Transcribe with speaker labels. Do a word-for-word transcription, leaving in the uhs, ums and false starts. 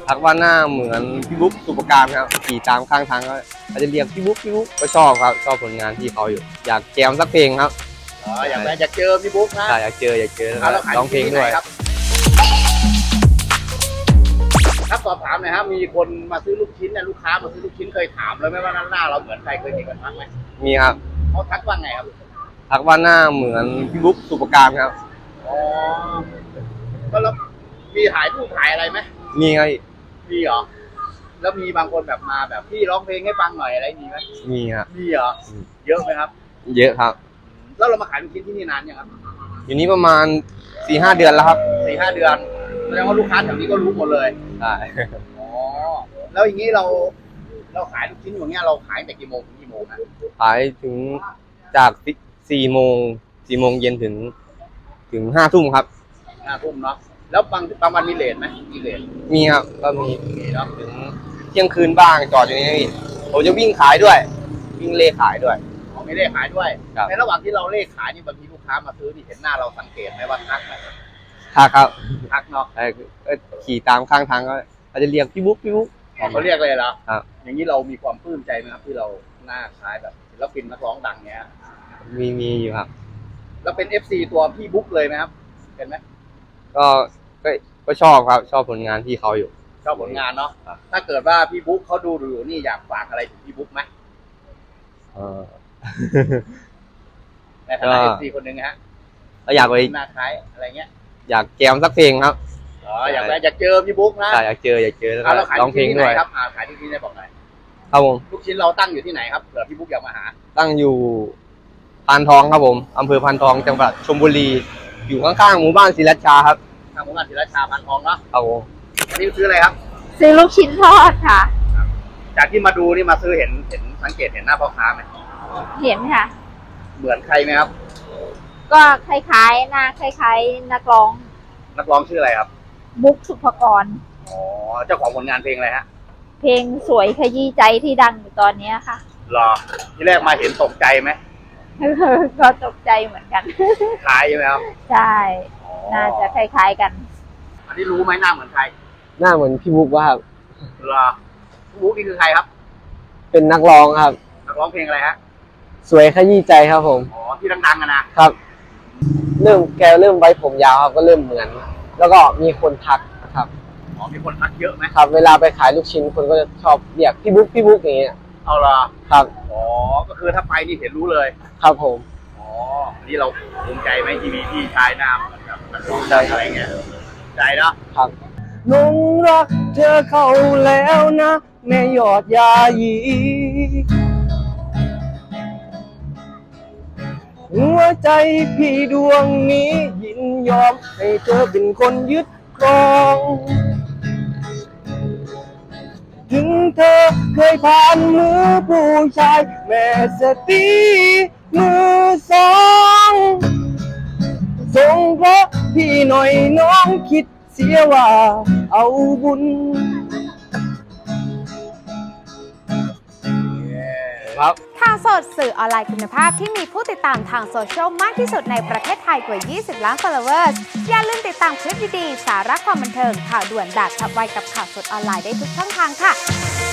Speaker 1: ทักว่าหน้าเหมือนพี่บุ๊กสุปการครับขี่ตามข้างทางก็อาจจะเรียกพี่บุ๊กพี่บุ๊กก็ชอบครับชอบผลงานที่เขาอยู่อยากแจมสักเพลงครับ
Speaker 2: อ๋ออยากอยากเจอพี่บุ๊กนะ
Speaker 1: ใช่อยากเจออยากเจอ
Speaker 2: ร้องเพลงด้วยครับครับสอบถามหน่อยครับมีคนมาซื้อลูกชิ้นเนี่ยลูกค้ามาซื้อลูกชิ้นเคยถามแล้วไหมว่าหน้าเราเหมือนใครเคยเห็นกันบ้างไหม
Speaker 1: มีครับ
Speaker 2: เขาทักว่าไงครับ
Speaker 1: ทักว่าหน้าเหมือนพี่บุ๊กสุปการครับ
Speaker 2: อ๋อก็แล้วมีถ่ายรูปถ่ายอะไรไหม
Speaker 1: มีไง
Speaker 2: มีเหรอแล้วมีบางคนแบบมาแบบพี่ร้องเพลงให้ฟังหน่อยอะไรมีไหม
Speaker 1: มีครับ
Speaker 2: มีเหรอเยอะไหมครับ
Speaker 1: เยอะครับ
Speaker 2: แล้วเรามาขายลูกชิ้นที่นี่นานยังครับ
Speaker 1: อยู่นี้ประมาณสี่ห้าเดือนแล้วครับ
Speaker 2: สี่ห้าเดือนแสดงว่าลูกค้าแถวนี้ก็รู้หมดเลย
Speaker 1: ใช่
Speaker 2: อ๋อแล้วอย่างนี้เราเราขายลูกชิ้นอย่างเงี้ยเราขายแต่กี่โมงถึงกี่โมงนะ
Speaker 1: ขายถึงจากสี่โมงสี่โมงเย็นถึงถึงห้าทุ่มครับ
Speaker 2: ห้าทุ่มเนาะแล้วบางบางวันมีเลทไหมมีเลท
Speaker 1: มีครับก็มี
Speaker 2: มีเนาะ
Speaker 1: ถึงเที่ยงคืนบ้างจอดอยู่นี่ผมจะวิ่งขายด้วยวิ่งเล่ขายด้วย
Speaker 2: อ๋อมีเล่ขายด้วยในระหว่างที่เราเล่ขายนี่บางทีลูกค้ามาซื้อนี่เห็นหน้าเราสังเกตไหมว่าทักไหม
Speaker 1: ทักครับ
Speaker 2: ทักเนาะ
Speaker 1: ขี่ตามข้างทางก็อาจจะเรียกพี่บุ๊กพี่บุ๊ก
Speaker 2: เขาเรียกเลยเหรอ
Speaker 1: ครับ
Speaker 2: อย่างนี้เรามีความปลื้มใจไหมครับที่เราหน้าคล้ายแบบศิลปินนักร้องดังเนี้ย
Speaker 1: มีมีอยู่ครับ
Speaker 2: แล้วเป็น เอฟ ซี ตัวพี่บุ๊กเลยไหมครับเห็นไหม
Speaker 1: ก็ก็ก็ชอบครับชอบผลงานที่เขาอยู่
Speaker 2: ชอบผลงานเนาะถ้าเกิดว่าพี่บุ๊กเขาดูดูนี่อยากฝากอะไรถึงพี่บุ๊กไหม
Speaker 1: เออ
Speaker 2: ในฐานะ เอฟ ซี คนหนึ่งฮะ
Speaker 1: ก็อยากไป
Speaker 2: หน้าคล้ายอะไรเงี้ย
Speaker 1: อยากแจมสักเพลงครับ
Speaker 2: อ๋ออยากไปอยากเจอพี่บุ๊กนะ
Speaker 1: อยากเจออยากเจอ
Speaker 2: แล้วร้องเพลงด้วยครับขายที่ที่ไหนบอกหน่อย
Speaker 1: ครับผม
Speaker 2: ลูกชิ้นเราตั้งอยู่ที่ไหนครับเผื่อพี่บุ๊กอยากมาหา
Speaker 1: ตั้งอยู่พานทองครับผมอำเภอพานทองจังหวัดชลบุรีอยู่ข้างๆหมู่บ้านศรีราชาครับ
Speaker 2: ข้างหมู่บ้านศรีราชาพานทองเนาะ
Speaker 1: ครับผม
Speaker 2: อันนี้ซื้ออะไรครับ
Speaker 3: ซื้อลูกชิ้นทอดค่ะ
Speaker 2: จากที่มาดูนี่มาซื้อเห็นเห็นสังเกตเห็นหน้าพ่อค้าไหม
Speaker 3: เห็นค่ะ
Speaker 2: เหมือนใครไหมครับ
Speaker 3: ก็คล้ายๆหน้าคล้ายๆนักร้อง
Speaker 2: นักร้องชื่ออะไรครับ
Speaker 3: บุ๊กสุภกร
Speaker 2: อ๋อเจ้าของผลงานเพลงอะไรฮะ
Speaker 3: เพลงสวยขยี้ใจที่ดังอยู่ตอนนี้ค่ะ
Speaker 2: หรอที่แรกมาเห็นตกใจไหม
Speaker 3: ก็ตกใจเหมือนกัน
Speaker 2: คล้ายใช่ไหมครับ
Speaker 3: ใช่น่าจะคล้ายๆกัน
Speaker 2: อันนี้รู้ไหมหน้าเหมือนใคร
Speaker 1: หน้าเหมือนพี่บุ๊กว่าครับ
Speaker 2: หรอพี่บุ๊กนี่คือใครครับ
Speaker 1: เป็นนักร้องครับ
Speaker 2: นักร้องเพลงอะไรฮะ
Speaker 1: สวยขยี้ใจครับผม
Speaker 2: อ๋อที่ดังๆกันนะครับ
Speaker 1: เริ่มแกเริ่มไว้ผมยาวครับก็เริ่มเหมือนแล้วก็มีคนทักครับ
Speaker 2: อ๋อมีคนทักเยอะไหม
Speaker 1: ครับเวลาไปขายลูกชิ้นคนก็จะชอบเรียกพี่บุ๊กพี่บุ๊กอย่างเงี้ย
Speaker 2: เอาล่ะ
Speaker 1: ครับ
Speaker 2: อ๋อก็คือถ้าไปนี่เห็นรู้เลย
Speaker 1: ครับผม
Speaker 2: อ๋อนี่เราภูมิใจไหมที่มีพี่ชายนามแบบนักร้องอะไรเงี้ยใจเนาะ
Speaker 1: ครับนงรักเธอเข้าแล้วนะแม่ยอดยายีหัวใจพี่ดวงนี้ยินยอมให้เธอเป็นคนยึดครองถึงเธอเคยผ่านมือผู้ชายแม่สตีมือสองส่งเพราะพี่หน่อยน้องคิดเสียว่าเอาบุญครับ
Speaker 4: ข่าวสดสื่อออนไลน์คุณภาพที่มีผู้ติดตามทางโซเชียลมากที่สุดในประเทศไทยกว่ายี่สิบล้าน followers อย่าลืมติดตามคลิปดีๆสาระความบันเทิงข่าวด่วนแบบฉับไวกับข่าวสดออนไลน์ได้ทุกช่องทางค่ะ